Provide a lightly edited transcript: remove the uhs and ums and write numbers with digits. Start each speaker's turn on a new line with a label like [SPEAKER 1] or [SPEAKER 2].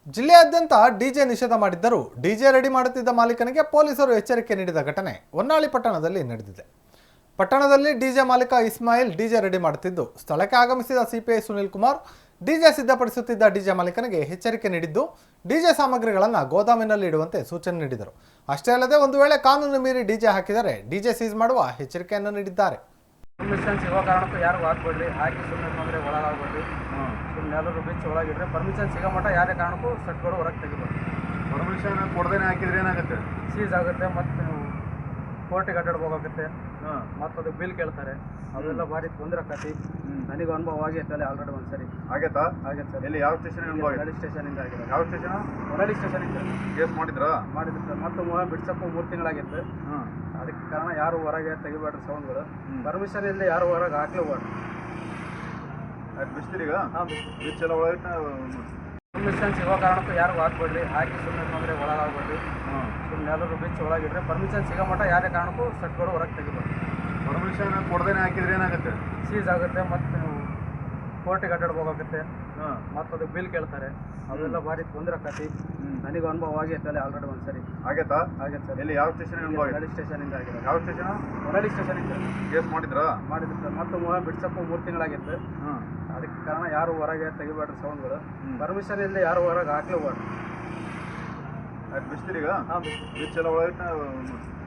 [SPEAKER 1] ಜಿಲ್ಲೆಯಾದ್ಯಂತ ಡಿಜೆ ನಿಷೇಧ ಮಾಡಿದ್ದರೂ ಡಿಜೆ ರೆಡಿ ಮಾಡುತ್ತಿದ್ದ ಮಾಲೀಕನಿಗೆ ಪೊಲೀಸರು ಎಚ್ಚರಿಕೆ ನೀಡಿದ ಘಟನೆ ಹೊನ್ನಾಳಿ ಪಟ್ಟಣದಲ್ಲಿ ನಡೆದಿದೆ. ಪಟ್ಟಣದಲ್ಲಿ ಡಿಜೆ ಮಾಲೀಕ ಇಸ್ಮಾಯಿಲ್ ಡಿಜೆ ರೆಡಿ ಮಾಡುತ್ತಿದ್ದು, ಸ್ಥಳಕ್ಕೆ ಆಗಮಿಸಿದ ಸಿಪಿಐ ಸುನಿಲ್ ಕುಮಾರ್ ಡಿಜೆ ಸಿದ್ಧಪಡಿಸುತ್ತಿದ್ದ ಡಿಜೆ ಮಾಲೀಕನಿಗೆ ಎಚ್ಚರಿಕೆ ನೀಡಿದ್ದು, ಡಿಜೆ ಸಾಮಗ್ರಿಗಳನ್ನು ಗೋದಾಮಿನಲ್ಲಿ ಇಡುವಂತೆ ಸೂಚನೆ ನೀಡಿದರು. ಅಷ್ಟೇ ಅಲ್ಲದೆ ಒಂದು ವೇಳೆ ಕಾನೂನು ಮೀರಿ ಡಿಜೆ ಹಾಕಿದರೆ ಡಿಜೆ ಸೀಸ್ ಮಾಡುವ ಎಚ್ಚರಿಕೆಯನ್ನು ನೀಡಿದ್ದಾರೆ.
[SPEAKER 2] ಪರ್ಮಿಷನ್ ಸಿಗೋ ಕಾರಣಕ್ಕೂ ಯಾರು ಹಾಕ್ಬೇಡ್ರಿ, ಹಾಕಿ ಸುಮ್ಮನೆ ಅಂದರೆ ಒಳಗಾಗ್ಬೇಡ್ರಿ. ಸುಮ್ಮನೆ ಎಲ್ಲರೂ ಬಿಚ್ಚಿ ಒಳಗಿಡ್ರಿ. ಪರ್ಮಿಷನ್ ಸಿಗೋ ಮಟ್ಟ ಯಾವುದೇ ಕಾರಣಕ್ಕೂ ಸೆಟ್ಗಳು ಹೊರಗೆ ತೆಗಿಬೇಕು.
[SPEAKER 3] ಪರ್ಮಿಷನ್ ಕೊಡದೇನೆ ಹಾಕಿದ್ರೆ ಏನಾಗುತ್ತೆ?
[SPEAKER 2] ಸೀಸ್ ಆಗುತ್ತೆ, ಮತ್ತು ನೀವು ಕೋರ್ಟಿಗೆ ಅಡ್ಡಾಡ್ಬೋಗುತ್ತೆ, ಮತ್ತು ಅದು ಬಿಲ್ ಕೇಳ್ತಾರೆ. ಅವೆಲ್ಲ ಭಾರಿ ತೊಂದರೆ ಆಕತಿ. ನನಗೂ ಅನುಭವ ಆಗೈತೆ ಅಲ್ಲಿ ಆಲ್ರೆಡಿ ಒಂದು ಸರಿ
[SPEAKER 3] ಆಗೈತಾ?
[SPEAKER 2] ಆಗೈತೆ ಸರ್.
[SPEAKER 3] ಎಲ್ಲಿ ಯಾವ ಸ್ಟೇಷನ್?
[SPEAKER 2] ಹೊನ್ನಾಳಿ ಸ್ಟೇಷನಿಂದ ಆಗಿದೆ.
[SPEAKER 3] ಯಾವ ಸ್ಟೇಷನ್?
[SPEAKER 2] ಹೊನ್ನಾಳಿ ಸ್ಟೇಷನಿಂದ
[SPEAKER 3] ಕೇಸ್ ಮಾಡಿದ್ರಾ?
[SPEAKER 2] ಮಾಡಿದ್ರು ಸರ್. ಮತ್ತು ಬಿಡ್ಸಪ್ಪು 3 ತಿಂಗಳಾಗಿತ್ತು. ಅದಕ್ಕೆ ಕಾರಣ ಯಾರು ಹೊರಗೆ ತೆಗಿಬೇಡ್ರಿ ಸೌಂಡ್ಗಳು. ಪರ್ಮಿಷನ್ ಇಲ್ಲದೆ ಯಾರು ಹೊರಗೆ ಹಾಕ್ಲೇಬೇಡ್ರಿ.
[SPEAKER 3] ಅದು ಬಿಸ್ತೀರೀಗ?
[SPEAKER 2] ಹಾಂ,
[SPEAKER 3] ಬಿಚ್ಚೆಲ್ಲ ಒಳಗಿಟ್ಟು
[SPEAKER 2] ಪರ್ಮಿಷನ್ ಸಿಗೋ ಕಾರಣಕ್ಕೂ ಯಾರು ಹಾಕ್ಬೇಡ್ರಿ, ಹಾಕಿ ಸುಮ್ಮನೆ ಅಂದರೆ ಒಳಗಾಗ್ಬೇಡ್ರಿ. ಸುಮ್ಮನೆ ಎಲ್ಲರೂ ಬಿಚ್ಚಿ ಒಳಗಿಡ್ರಿ. ಪರ್ಮಿಷನ್ ಸಿಗೋ ಮಟ್ಟ ಯಾವುದೇ ಕಾರಣಕ್ಕೂ ಸೆಟ್ಗಳು ಹೊರಗೆ ತೆಗಿಬೇಕು.
[SPEAKER 3] ಪರ್ಮಿಷನ್ ಕೊಡದೇನೆ ಹಾಕಿದ್ರೆ ಏನಾಗುತ್ತೆ?
[SPEAKER 2] ಸೀಸ್ ಆಗುತ್ತೆ, ಮತ್ತು ನೀವು ಕೋರ್ಟಿಗೆ ಅಡ್ಡಾಡ್ಬೋಗುತ್ತೆ, ಮತ್ತು ಅದು ಬಿಲ್ ಕೇಳ್ತಾರೆ. ಅವೆಲ್ಲ ಭಾರಿ ತೊಂದರೆ ಆಕತಿ. ನನಗೂ ಅನುಭವ ಆಗೈತೆ ಅಲ್ಲಿ ಆಲ್ರೆಡಿ ಒಂದು ಸರಿ.
[SPEAKER 3] ಆಗೈತಾ?
[SPEAKER 2] ಆಗೈತೆ ಸರ್.
[SPEAKER 3] ಎಲ್ಲಿ ಯಾವ ಸ್ಟೇಷನ್?
[SPEAKER 2] ಹೊನ್ನಾಳಿ ಸ್ಟೇಷನಿಂದ ಆಗಿದೆ.
[SPEAKER 3] ಯಾವ ಸ್ಟೇಷನ್?
[SPEAKER 2] ಹೊನ್ನಾಳಿ ಸ್ಟೇಷನಿಂದ
[SPEAKER 3] ಕೇಸ್ ಮಾಡಿದ್ರಾ?
[SPEAKER 2] ಮಾಡಿದ್ರು ಸರ್. ಮತ್ತು ಬಿಡ್ಸಪ್ಪು 3 ತಿಂಗಳಾಗಿತ್ತು. ಅದಕ್ಕೆ ಕಾರಣ ಯಾರು ಹೊರಗೆ ತೆಗಿಬೇಡ್ರಿ ಸೌಂಡ್ಗಳು. ಪರ್ಮಿಷನ್ ಇಲ್ಲದೆ ಯಾರು ಹೊರಗೆ ಹಾಕ್ಲೇಬೇಡ್ರಿ.
[SPEAKER 3] ಅದು ಬಿಸ್ತೀರೀಗ?
[SPEAKER 2] ಹಾಂ,
[SPEAKER 3] ಬಿಚ್ಚೆಲ್ಲ ಒಳಗಿಟ್ಟು